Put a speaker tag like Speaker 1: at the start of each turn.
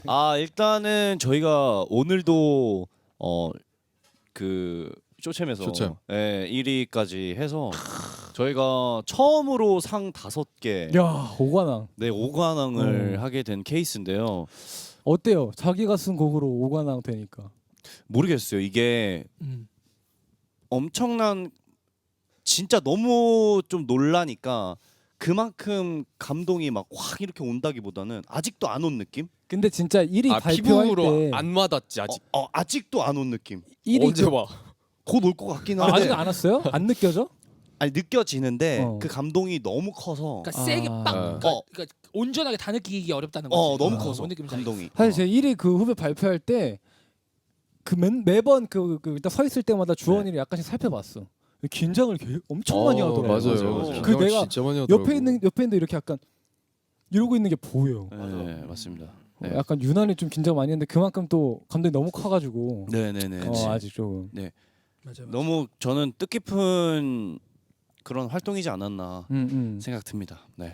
Speaker 1: 일단은 저희가 오늘도 그 쇼챔에서
Speaker 2: 쇼챔.
Speaker 1: 1위까지 해서 저희가 처음으로 상 5개,
Speaker 3: 야, 오관왕.
Speaker 1: 네 5관왕을 하게 된 케이스인데요.
Speaker 3: 어때요? 자기가 쓴 곡으로 오관왕 되니까.
Speaker 1: 모르겠어요. 이게 엄청난 진짜 너무 좀 놀라니까 그만큼 감동이 막 확 이렇게 온다기보다는 아직도 안 온 느낌?
Speaker 3: 근데 진짜 1위 발표할
Speaker 2: 피부로
Speaker 3: 때
Speaker 2: 안 와닿지 아직.
Speaker 1: 아직도 안 온 느낌.
Speaker 3: 1위
Speaker 2: 언제 와?
Speaker 1: 곧 올 것 같긴 한데
Speaker 3: 아직 안 왔어요? 안 느껴져?
Speaker 1: 아니 느껴지는데
Speaker 3: 어.
Speaker 1: 그 감동이 너무 커서
Speaker 4: 그러니까 세게
Speaker 3: 아.
Speaker 4: 빵. 그러니까 온전하게 다 느끼기 어렵다는 거지.
Speaker 1: 너무
Speaker 4: 아,
Speaker 1: 커서
Speaker 4: 뭔 느낌인지 알겠어.
Speaker 1: 감동이.
Speaker 3: 사실 제 1위 그 후배 발표할 때 그 매번 그 일단 서 있을 때마다 주원이를 약간씩 살펴봤어. 긴장을 엄청 많이 하더라고.
Speaker 2: 맞아요.
Speaker 3: 그 내가
Speaker 2: 진짜 많이 하더라고.
Speaker 3: 옆에 있는데 이렇게 약간 이러고 있는 게 보여.
Speaker 1: 네, 맞습니다. 네.
Speaker 3: 약간 유난히 좀 긴장 많이 했는데 그만큼 또 감동이 너무 커가지고
Speaker 1: 네네네.
Speaker 3: 아직 조금
Speaker 4: 맞아.
Speaker 1: 너무 저는 뜻깊은 그런 활동이지 않았나
Speaker 3: 음.
Speaker 1: 생각 듭니다. 네.